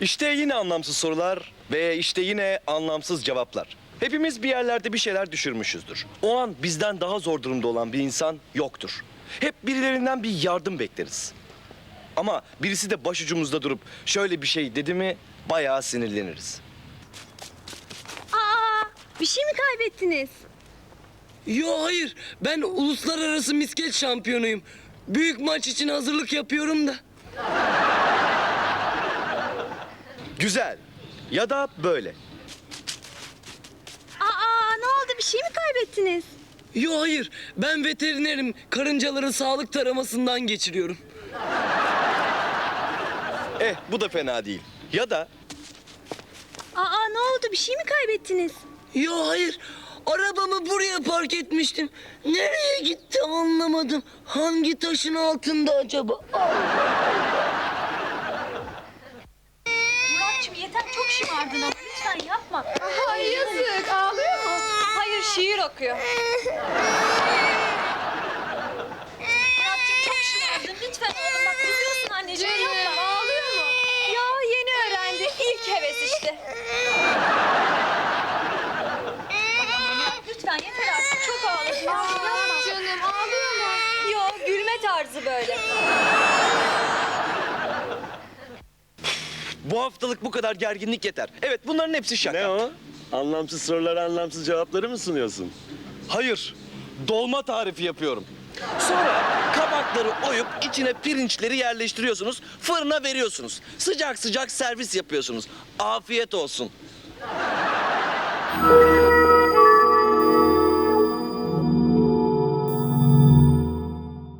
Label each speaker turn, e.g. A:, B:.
A: İşte yine anlamsız sorular ve işte yine anlamsız cevaplar. Hepimiz bir yerlerde bir şeyler düşürmüşüzdür. O an bizden daha zor durumda olan bir insan yoktur. Hep birilerinden bir yardım bekleriz. Ama birisi de başucumuzda durup şöyle bir şey dedi mi bayağı sinirleniriz.
B: Aa, bir şey mi kaybettiniz?
C: Yo hayır, ben uluslararası misket şampiyonuyum. Büyük maç için hazırlık yapıyorum da.
A: Güzel. Ya da böyle.
B: Aa, ne oldu? Bir şey mi kaybettiniz?
C: Yo hayır, ben veterinerim. Karıncaların sağlık taramasından geçiriyorum.
A: Bu da fena değil. Ya da
B: Aa, ne oldu? Bir şey mi kaybettiniz?
C: Yo hayır, arabamı buraya park etmiştim. Nereye gitti anlamadım. Hangi taşın altında acaba?
B: Muratçım yeter, çok şımardın ama lütfen yapma.
D: Ay yazık, ağlıyor mu?
B: Hayır, şiir okuyor. Muratçım çok şımardın, lütfen oğlum bak üzüyorsun anneciğim, yapma.
D: Ağlıyor mu?
B: Ya yeni öğrendi, ilk heves işte. Tamam Murat, lütfen yeter artık, çok ağladın. Yapma.
D: Canım ağlıyor mu?
B: Yo, gülme tarzı böyle.
A: bu haftalık bu kadar gerginlik yeter. Evet, bunların hepsi şaka.
E: Ne o? Anlamsız sorulara anlamsız cevapları mı sunuyorsun?
A: Hayır, dolma tarifi yapıyorum. Sonra kabakları oyup içine pirinçleri yerleştiriyorsunuz, fırına veriyorsunuz. Sıcak sıcak servis yapıyorsunuz. Afiyet olsun.